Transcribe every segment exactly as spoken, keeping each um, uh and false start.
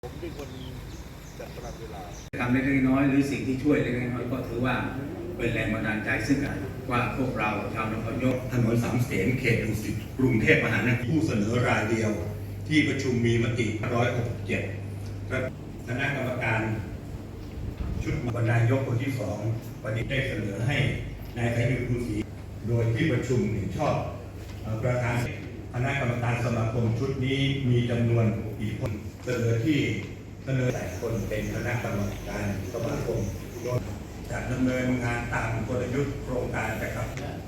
ผมเป็นคนจัดตารางเวลาทำเล็กๆน้อยๆหรือสิ่งที่ช่วยเล็กๆน้อยๆก็ถือว่าเป็นแรงบันดาลใจซึ่งกันว่าพวกเราชาวนครนายกถนนสามเสนเขตดุสิตกรุงเทพมหานครผู้เสนอรายเดียวที่ประชุมมีมติหนึ่งร้อยหกสิบเจ็ดครับคณะกรรมการชุดบรรณายกคนที่สองวันนี้ได้เสนอให้นายไพบูลย์ ภูศรีโดยที่ประชุมเห็นชอบประธานคณะกรรมการสมาคมชุดนี้มีจำนวนกี่คนเสนอที่เสนอแต่คนเป็นคณะกรรมการสมาคมโดยจะดำเนินงานตามกลยุทธ์โครงการนะครับ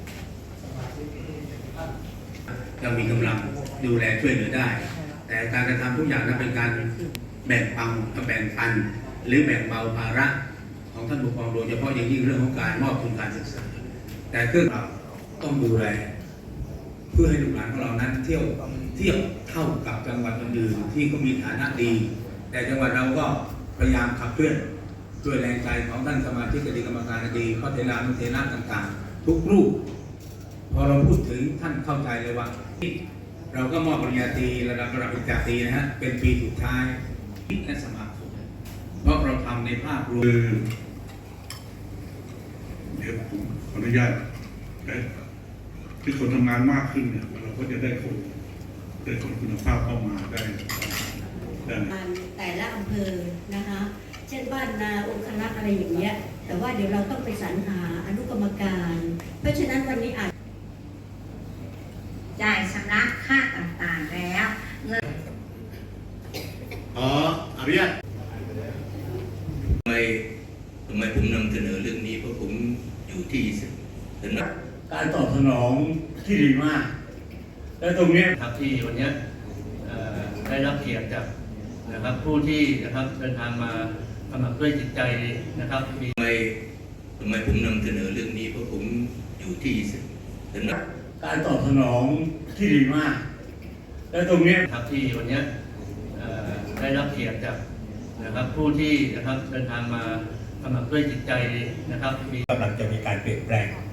เรามีกำลังดูแลช่วยเหลือได้แต่การกระทำทุกอย่างนั้นเป็นการแบ่งปันแบ่งปันหรือแบ่งเบาภาระของท่านปกครองโดยเฉพาะอย่างยิ่งเรื่องของการมอบทุนการศึกษาแต่เครื่องเราต้องดูแลเพื่อให้ลูกหลานของเรานั้นเที่ยวเที่ยวเท่ากับจังหวัดอื่นๆที่ก็มีฐานะดีแต่จังหวัดเราก็พยายามขับเคลื่อนด้วยแรงใจของท่านสมาชิกคณะกรรมการดีพระเทรานุเทระต่างๆทุกรูปพอเราพูดถึงท่านเข้าใจเลยว่าเราก็มอบปริญญาตรีระดับระดับปริญญาตรีนะฮะเป็นปีสุดท้ายและสมาคมเพราะเราทำในภาพรวมเดี๋ยวผมขออนุญาตที่คนทำงานมากขึ้นเนี่ยเราก็จะได้คนได้คนคุณภาพเข้ามาได้ได้แต่ละอำเภอนะคะเช่นบ้านนาองครักษ์อะไรอย่างเงี้ยแต่ว่าเดี๋ยวเราต้องไปสรรหาอนุกรรมการเพราะฉะนั้นวันนี้อาจจ่ายชำระค่าต่างๆแล้วเงินอ๋ออนุญาตทำไมทำไมผมนำเสนอเรื่องนี้เพราะผมอยู่ที่สำนักการตอบสนองที่ดีมาก และตรงนี้ครับที่วันนี้ได้รับเกียรติจากนะครับผู้ที่นะครับเดินทางมาสมัครด้วยจิตใจนะครับมีทำไมทำไมผมนำเสนอเรื่องนี้เพราะผมอยู่ที่สำนักการตอบสนองที่ดีมาก และตรงนี้ครับที่วันนี้ได้รับเกียรติจากนะครับผู้ที่นะครับเดินทางมาสมัครด้วยจิตใจนะครับกำลังจะมีการเปลี่ยนแปลง